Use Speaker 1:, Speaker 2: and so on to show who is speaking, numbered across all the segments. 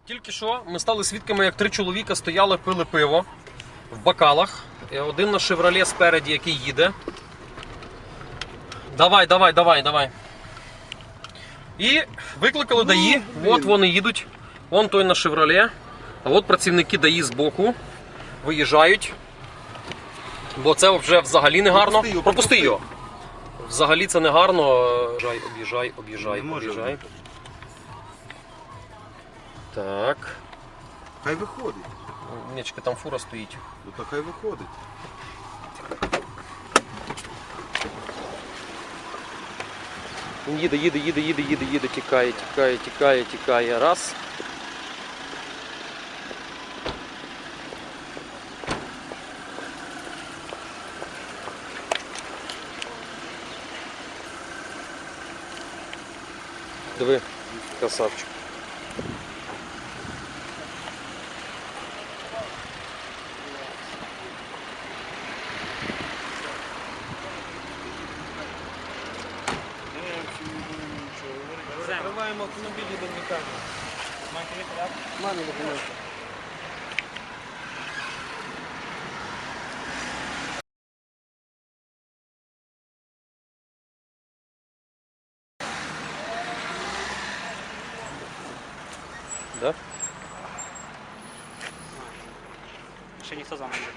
Speaker 1: Тільки що ми стали свідками, як 3 чоловіка стояли, пили пиво в бокалах. Один на «Шевроле» спереді, який їде. Давай. І викликали ДАІ. От вони їдуть. Вон той на «Шевроле». А от працівники ДАІ збоку виїжджають. Бо це вже взагалі не гарно. Пропусти його. Взагалі це не гарно. Об'їжджай. Так.
Speaker 2: Хай виходить.
Speaker 1: Нічки, там фура стоїть.
Speaker 2: Ну то хай виходить.
Speaker 1: Він їде, тікає. Раз. Диви, красавчик.
Speaker 3: Закриваємо автомобілі до лікарні. Маєте порядок? Мамі документи.
Speaker 1: Да?
Speaker 3: Ще ніхто за мною не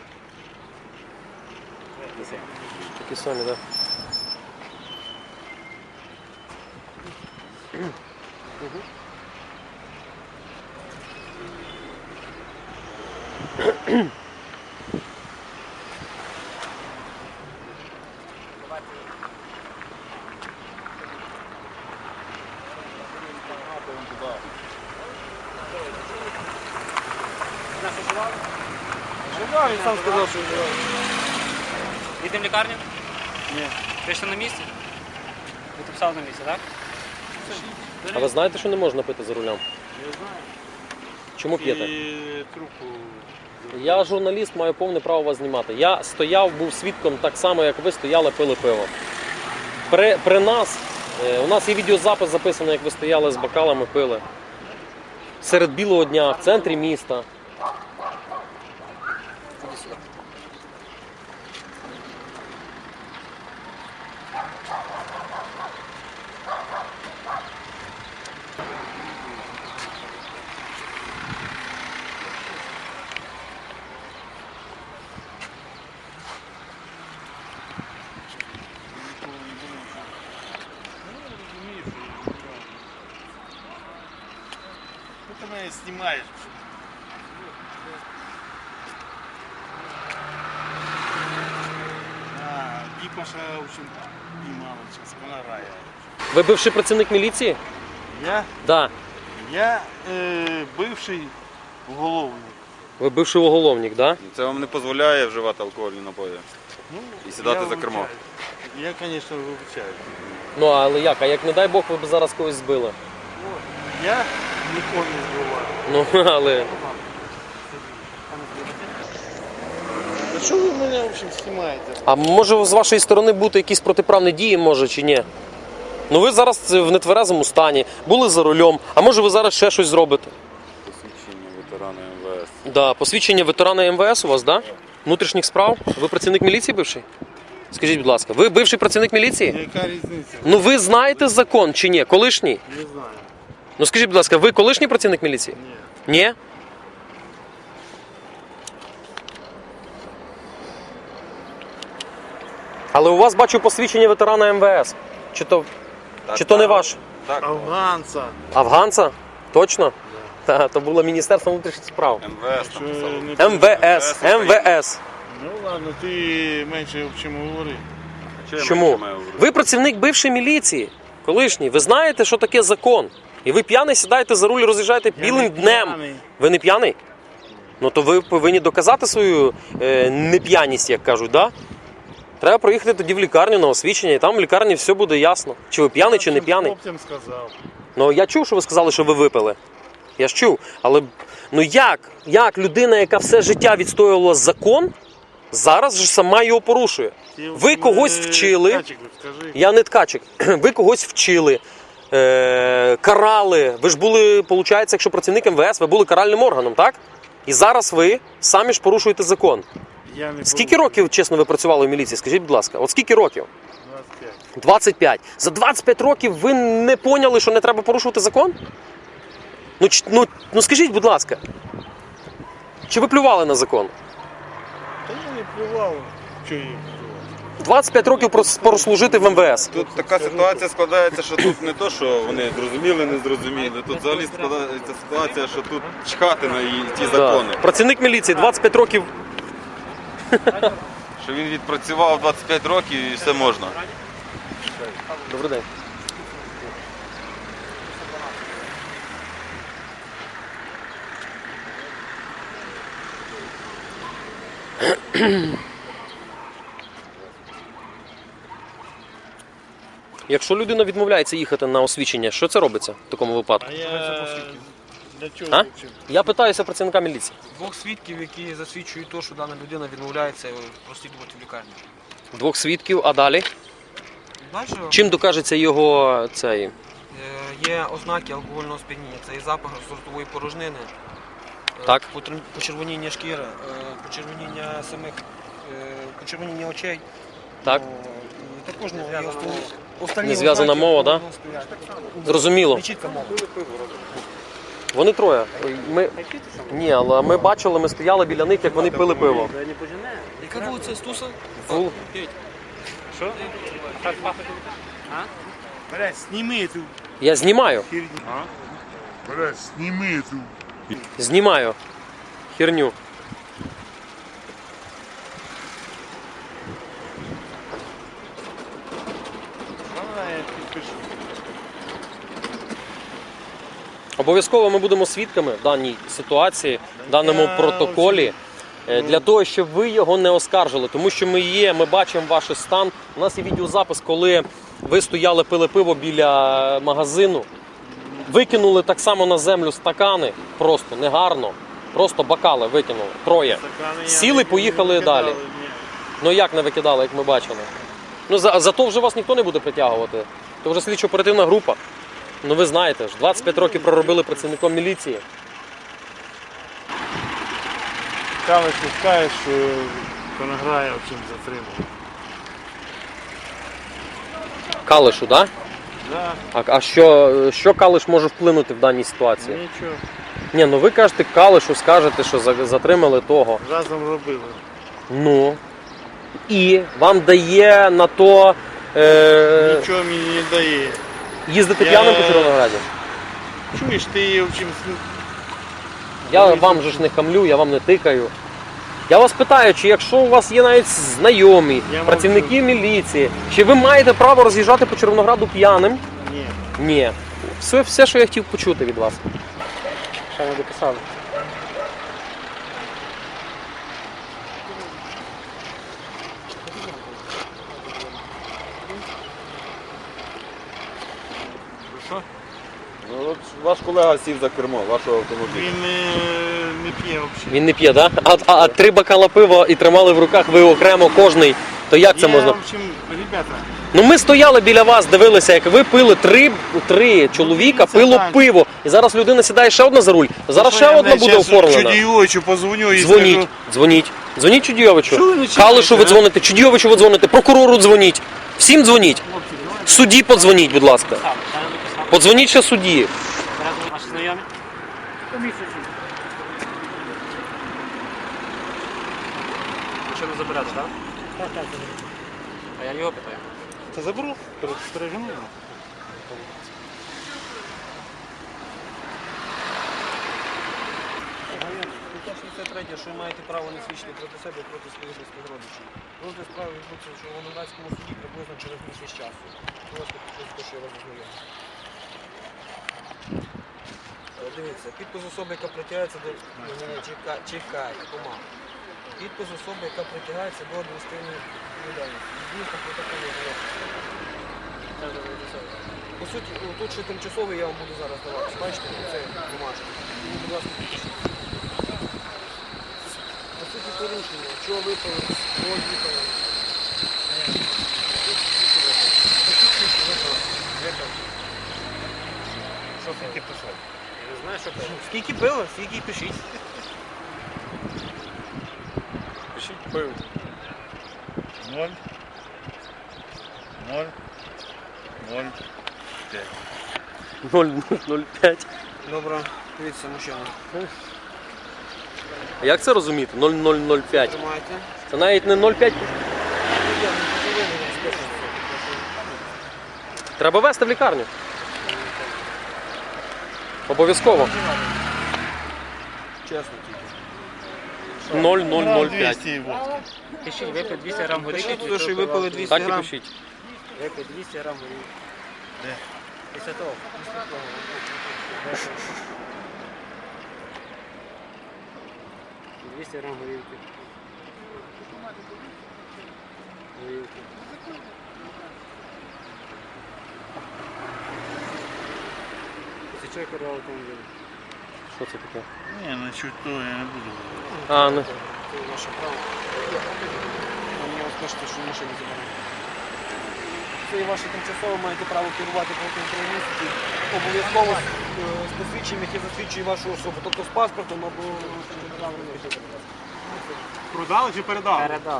Speaker 3: буде.
Speaker 1: Такі самі, да.
Speaker 3: Живав, він сам сказав, що живав. Їдемо в лікарню? Ні. Ви ще на місці? Ви тут писали на місці, так?
Speaker 1: А ви знаєте, що не можна пити за рулем?
Speaker 2: Я знаю.
Speaker 1: Чому п'єте?
Speaker 2: І трубку.
Speaker 1: Я журналіст, маю повне право вас знімати. Я стояв, був свідком так само, як ви стояли, пили пиво. При нас, у нас є відеозапис записаний, як ви стояли з бокалами, пили. Серед білого дня, в центрі міста.
Speaker 2: Ти мене знімаєш. Діпаша, в общем, піймала зараз, вона рає.
Speaker 1: Ви бивший працівник міліції?
Speaker 2: Я?
Speaker 1: Да.
Speaker 2: Я бивший уголовник.
Speaker 1: Ви бивший уголовник, да?
Speaker 4: Це вам не дозволяє вживати алкогольні напої
Speaker 2: Ну,
Speaker 4: і сідати
Speaker 2: я
Speaker 4: за кермо.
Speaker 2: вибачаю. Я, звісно, вибачаю.
Speaker 1: Ну, але як? А як, не дай Бог, ви б зараз когось збили?
Speaker 2: Я нікого не збиваю.
Speaker 1: Ну, але...
Speaker 2: А що ви мене, в общем, знімаєте?
Speaker 1: А може з вашої сторони бути якісь протиправні дії, може, чи ні? Ну ви зараз в нетверезому стані, були за рулем, а може ви зараз ще щось зробите?
Speaker 4: Посвідчення ветерана МВС.
Speaker 1: Да, посвідчення ветерана МВС у вас, да? Внутрішніх справ? Ви працівник міліції бивший? Скажіть, будь ласка, ви бивший працівник міліції?
Speaker 2: Яка різниця?
Speaker 1: Ну ви знаєте закон чи ні? Колишній?
Speaker 2: Не знаю.
Speaker 1: Ну скажіть, будь ласка, ви колишній працівник міліції?
Speaker 2: Ні.
Speaker 1: Ні? Але у вас, бачу, посвідчення ветерана МВС. Чи то не ваш?
Speaker 4: Так,
Speaker 2: Афганця.
Speaker 1: Афганця? Точно? Та, то було Міністерство внутрішніх справ.
Speaker 4: МВС там писало.
Speaker 1: МВС.
Speaker 2: Ну ладно, ти менше в чому говори.
Speaker 1: Чому? Ви працівник бившої міліції, колишній. Ви знаєте, що таке закон. І ви п'яний сідаєте за руль, роз'їжджаєте білим
Speaker 2: не
Speaker 1: днем.
Speaker 2: п'яний.
Speaker 1: Ви не п'яний? Ну то ви повинні доказати свою неп'яність, як кажуть, да? Треба проїхати тоді в лікарню на освідчення, і там в лікарні все буде ясно. Чи ви п'яний, чи не п'яний.
Speaker 2: Хлопцям сказав.
Speaker 1: Ну я чув, що ви сказали, що ви випили. Я ж чув. Але ну як людина, яка все життя відстоювала закон, зараз же сама його порушує? Ви когось вчили.
Speaker 2: Ткачик, скажи.
Speaker 1: Я не ткачик. Ви когось вчили. карали. Ви ж були, виходить, якщо працівник МВС, ви були каральним органом, так? І зараз ви самі ж порушуєте закон.
Speaker 2: Я не
Speaker 1: Скільки років, чесно, ви працювали в міліції? Скажіть, будь ласка, от скільки років?
Speaker 2: 25.
Speaker 1: 25. За 25 років ви не поняли, що не треба порушувати закон? Ну скажіть, будь ласка. Чи ви плювали на закон?
Speaker 2: Та я не плював, що я плював.
Speaker 1: 25 років прослужити в МВС.
Speaker 4: Тут така ситуація складається, що тут не то, що вони зрозуміли, не зрозуміли. Тут взагалі складається ситуація, що тут чхати на ті закони.
Speaker 1: Да. Працівник міліції 25 років.
Speaker 4: Що він відпрацював 25 років і все можна.
Speaker 1: Добрий день. Якщо людина відмовляється їхати на освідчення, що це робиться в такому випадку?
Speaker 2: А я для чого
Speaker 1: А?
Speaker 2: вчив?
Speaker 1: Я питаюся працівника міліції.
Speaker 5: Двох свідків, які засвідчують те, що дана людина відмовляється прослідувати в лікарню.
Speaker 1: Двох свідків, а далі?
Speaker 5: Далі
Speaker 1: Чим докажеться його цей?
Speaker 5: є ознаки алкогольного сп'яніння. Це і запах ротової порожнини,
Speaker 1: Так.
Speaker 5: почервоніння шкіри, почервоніння почервоніння очей.
Speaker 1: Так.
Speaker 5: І також є останні
Speaker 1: Незв'язана
Speaker 5: ознаки
Speaker 1: мова, да?
Speaker 5: алкогольного сп'яніння.
Speaker 1: Зрозуміло.
Speaker 5: Не чітка мова.
Speaker 1: Вони троє. Ні, але ми бачили, ми стояли біля них, як вони пили пиво.
Speaker 5: Яка вулиця Стуса?
Speaker 1: Вул-
Speaker 3: Що? Так пахне. А?
Speaker 2: Блядь, сніми ту
Speaker 1: Я знімаю.
Speaker 2: херню. Блядь, сніми ту.
Speaker 1: Знімаю. Херню.
Speaker 2: Вона я підпишу.
Speaker 1: Обов'язково ми будемо свідками в даній ситуації, в даному протоколі, для того, щоб ви його не оскаржили. Тому що ми бачимо ваш стан. У нас є відеозапис, коли ви стояли, пили пиво біля магазину, викинули так само на землю стакани, просто негарно, просто бокали викинули, троє.
Speaker 2: Стакани я
Speaker 1: Сіли,
Speaker 2: не
Speaker 1: поїхали
Speaker 2: викидали,
Speaker 1: далі.
Speaker 2: ні.
Speaker 1: Ну як не викидали, як ми бачили? Ну зато вже вас ніхто не буде притягувати. Це вже слідчо-оперативна група. Ну ви знаєте ж, 25 років проробили працівником міліції.
Speaker 2: Калиш пускаєш, що Конограя в чим затримав.
Speaker 1: Калишу, так?
Speaker 2: Да,
Speaker 1: А що Калиш може вплинути в даній ситуації?
Speaker 2: нічого.
Speaker 1: Ні, ну ви кажете Калишу, скажете, що затримали того.
Speaker 2: Разом робили.
Speaker 1: Ну. І вам дає на то
Speaker 2: Нічого мені не дає.
Speaker 1: їздити
Speaker 2: Я-
Speaker 1: п'яним по Червонограді?
Speaker 2: Чуєш, ти в чим
Speaker 1: Я вам же ж не хамлю, я вам не тикаю. Я вас питаю, чи якщо у вас є навіть знайомі,
Speaker 2: Я
Speaker 1: працівники міліції, чи ви маєте право роз'їжджати по Червонограду п'яним?
Speaker 2: Ні.
Speaker 1: Ні. Все, що я хотів почути від вас.
Speaker 3: Що ви дописали?
Speaker 4: Ну, от ваш колега сів за кермо вашого автомобіля.
Speaker 2: Він не п'є взагалі.
Speaker 1: Він не п'є, так? Да? А 3 бокала пива і тримали в руках ви окремо кожний, то як це можна?
Speaker 2: В общем, ребята,
Speaker 1: Ну ми стояли біля вас, дивилися, як ви пили три чоловіка,
Speaker 2: Це
Speaker 1: пило
Speaker 2: так.
Speaker 1: пиво. І зараз людина сідає ще одна за руль. Зараз ще одна буде оформлена.
Speaker 2: Чудійовичу позвоню і
Speaker 1: Дзвоніть,
Speaker 2: скажу.
Speaker 1: дзвоніть. Дзвоніть Чудійовичу.
Speaker 2: Що ви не читаєте,
Speaker 1: Калишу ви
Speaker 2: а?
Speaker 1: дзвоните, Чудійовичу ви дзвоните, прокурору дзвоніть. Всім дзвоніть. Судді подзвоніть, будь ласка.
Speaker 3: Писали, я не дописав.
Speaker 1: Подзвоніть ще судді.
Speaker 3: Разом ваші знайомі? Що не заберете, так? Так. А я його питаю.
Speaker 2: Та заберу, пережену.
Speaker 5: Що ви маєте право не свідчити проти себе і проти своїх близьких родичів. Розгляд справи відбудеться в Червоноградському суді приблизно через місяць часу. Будь ласка, підписуйте, що я вас ознайомлю. Дивіться, підпис особи, яка притягається до... Ні, чекай, помалу. Підпис особи, яка притягається до адміністративної відповідальності. Дійсно, протоколу по суті, тут ще тимчасовий я вам буду зараз давати. Бачите, це бумажка. Тому, будь ласка, підпишіть. По суті, порушення. Чого випали? Кого їхали?
Speaker 3: Скільки пили, скільки й пишіть.
Speaker 2: Пишіть пив. 0. 0. 0. 5.
Speaker 1: 0,05.
Speaker 5: Добре, дивіться, мужчина.
Speaker 1: А як це розуміти? 0,005.
Speaker 5: Тримайте.
Speaker 1: Це навіть не 0,5. Треба везти в лікарню. Обов'язково.
Speaker 5: Чесно тільки.
Speaker 1: 0,005.
Speaker 2: 200 водки.
Speaker 3: Пишіть, випити 200 грам горілки.
Speaker 5: Пишіть туди, що й випили 200
Speaker 1: Так і
Speaker 5: грам.
Speaker 1: пишіть.
Speaker 3: Випити 200 грам горілки.
Speaker 2: Де?
Speaker 3: Після того. – 200 грам горілки. Горілки. Тисяча керував автомобілем.
Speaker 1: Що це таке?
Speaker 2: Ні, насчет того я не буду говорити.
Speaker 1: А, не.
Speaker 5: Це ваше право. А мені от кажете, що машину забираємо. Це і ваше тимчасово маєте право керувати протягом 3 місяців. Обов'язково з посвідченням, яке засвідчує вашу особу. Тобто з паспортом або
Speaker 2: Продали чи передали?
Speaker 3: Передали.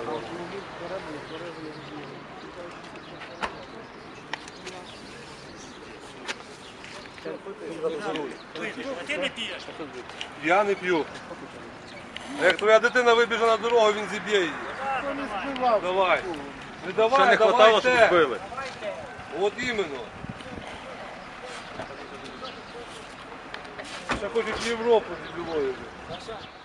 Speaker 6: Я не п'ю. Як твоя дитина вибіже на дорогу, він зіб'є її. Давай. Не давай,
Speaker 4: Ще не
Speaker 6: давай
Speaker 4: хватало, щоб
Speaker 6: те.
Speaker 4: збили.
Speaker 6: От іменно. Ще хочуть в Європу з білою.